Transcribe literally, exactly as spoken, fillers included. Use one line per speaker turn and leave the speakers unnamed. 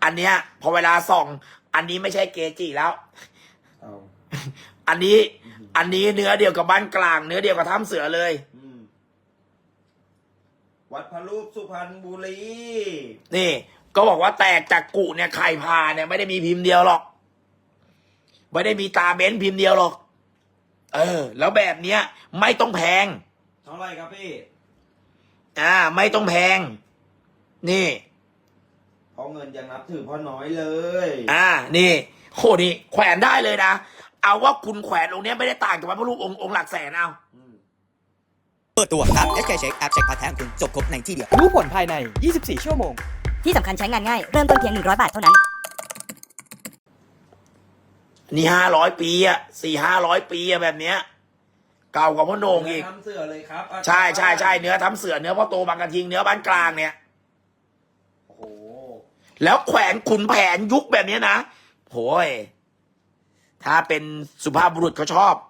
อันเนี้ยพอเวลาส่องอันนี้ไม่ใช่เกจิแล้ว
เอา
อันนี้ อันนี้เนื้อเดียวกับบ้านกลาง เนื้อเดียวกับถ้ำเสือเลย
อืมวัดพระรูปสุพรรณบุรี
นี่ ก็บอกว่าแตกจากกุเนี่ยไข่พาเนี่ยไม่ได้มีพิมพ์เดียวหรอกไม่ได้มีตาเบ้นพิมพ์เดียวหรอก เออ แล้วแบบเนี้ยไม่ต้องแพง
เท่าไหร่ครับพี่
อ่า ไม่ต้องแพง นี่
เพราะเงินยังนับถือพ่อน้อยเลย
อ่า นี่โหนี่แขวนได้เลยนะ เอาว่าคุณแขวนองค์เนี้ยไม่ได้ต่างจากพระรูปองค์องค์หลักแสนเอา
อืม
เปิดตัวแอป เอส เค Check แอปเช็คพาร์ทแท้ของคุณจบครบในที่เดียว
รู้ผลภายใน ยี่สิบสี่ ชั่วโมง
ที่สำคัญใช้งานง่าย เริ่มต้นเพียง หนึ่งร้อย บาทเท่านั้น
นี่ห้าร้อยปีอะสี่ห้าร้อยปีอะแบบเนี้ย เก่ากว่าพ่อโหนงอีก
ทำเสือเลยครับอาจารย์
ใช่ใช่ใช่เนื้อทำเสือเนื้อพ่อโตบางกระทิงเนื้อบ้านกลางเนี่ย
โอ้โห
แล้วแขวนขุนแผนยุคแบบเนี้ยนะโหยถ้าเป็นสุภาพบุรุษเขาชอบ